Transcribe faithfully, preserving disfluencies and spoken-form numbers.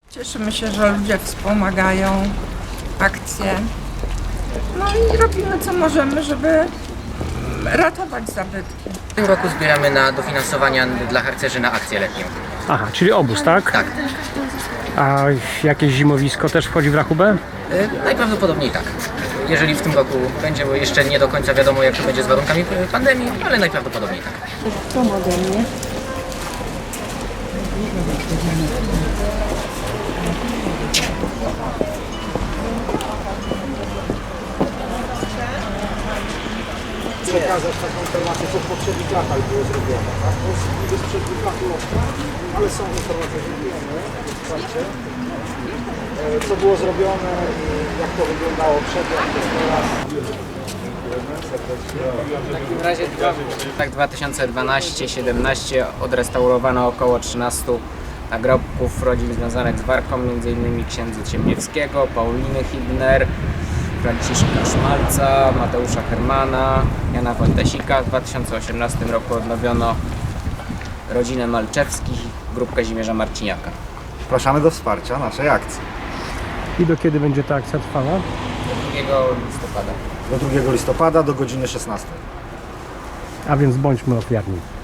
Cieszymy się, że ludzie wspomagają akcje. No i robimy co możemy, żeby ratować zabytki. W tym roku zbieramy na dofinansowania dla harcerzy na akcję letnią. Aha, czyli obóz, tak? Tak, A jakieś zimowisko też wchodzi w rachubę? y, najprawdopodobniej tak. Jeżeli w tym roku będzie, bo jeszcze nie do końca wiadomo, jak to będzie z warunkami pandemii, ale najprawdopodobniej tak. Pomogę mnie. Przekazać taką informację, co w poprzednich latach było zrobione. Tak? To jest niby sprzed dwóch lat było, ale są informacje, że wiemy, słuchajcie, e, co było zrobione i jak to wyglądało przed, jak to jest teraz. W takim razie tak dwa tysiące dwanaście siedemnaście odrestaurowano około trzynaście nagrobków rodzin związanych z Warką, między innymi księdza Ciemniewskiego, Pauliny Hibner, Franciszka Szmalca, Mateusza Hermana, Jana Wojtasika. W dwa tysiące osiemnastym roku odnowiono rodzinę Malczewskich, grupę Kazimierza Marciniaka. Zapraszamy do wsparcia naszej akcji. I do kiedy będzie ta akcja trwała? drugiego listopada. Do drugiego listopada do godziny szesnastej. A więc bądźmy ofiarni.